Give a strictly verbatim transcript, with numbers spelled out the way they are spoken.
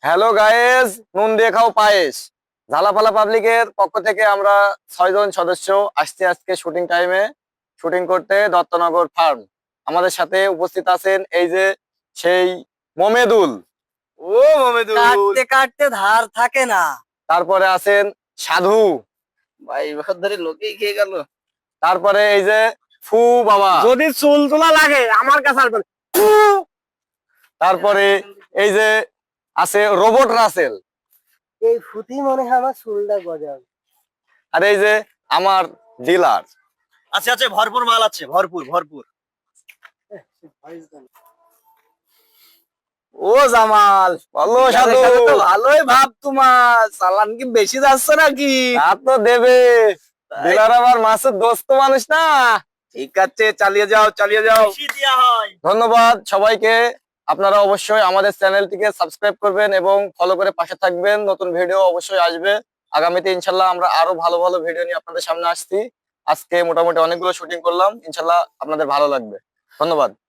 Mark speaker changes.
Speaker 1: Hello guys, নুন দিয়ে খাও পায়েস। ঝালাপালা পাবলিকের পক্ষ থেকে আমরা ছয়জন সদস্য আসছি আজকে শুটিং টাইমে শুটিং করতে দত্তনগর ফার্ম। আমাদের সাথে উপস্থিত আছেন এই যে সেই মোমেদুল। ও মোমেদুল।
Speaker 2: কাটতে কাটতে ধার থাকে না।
Speaker 1: তারপরে আছেন সাধু।
Speaker 2: ভাই এবার ধরে লোকেই খেয়ে গেল।
Speaker 1: তারপরে এই যে ফু বাবা।
Speaker 2: যদি চুল তোলা লাগে আমার কাছে আসবেন।
Speaker 1: তারপরে এই যে আছে রোবট রাসেল।
Speaker 2: এই ফুটি মনে হয় আমার চুলটা গজাবে।
Speaker 1: আর এই যে আমার ডিলার।
Speaker 2: আচ্ছা আচ্ছা, ভরপুর মাল আছে, ভরপুর ভরপুর। ও জামাল,
Speaker 1: বলো সাধু।
Speaker 2: ভালোই ভাব তোমার। চালান কি বেশি যাচ্ছে নাকি?
Speaker 1: তা তো দেবে, ডিলার আবার মাসুদ দোস্ত মানুষ না।
Speaker 2: ঠিক আছে, চালিয়ে যাও চালিয়ে যাও।
Speaker 1: ধন্যবাদ সবাইকে। আপনারা অবশ্যই আমাদের চ্যানেলটিকে সাবস্ক্রাইব করবেন এবং ফলো করে পাশে থাকবেন। নতুন ভিডিও অবশ্যই আসবে আগামীতে, ইনশাল্লাহ আমরা আরো ভালো ভালো ভিডিও নিয়ে আপনাদের সামনে আসছি। আজকে মোটামুটি অনেকগুলো শুটিং করলাম, ইনশাল্লাহ আপনাদের ভালো লাগবে। ধন্যবাদ।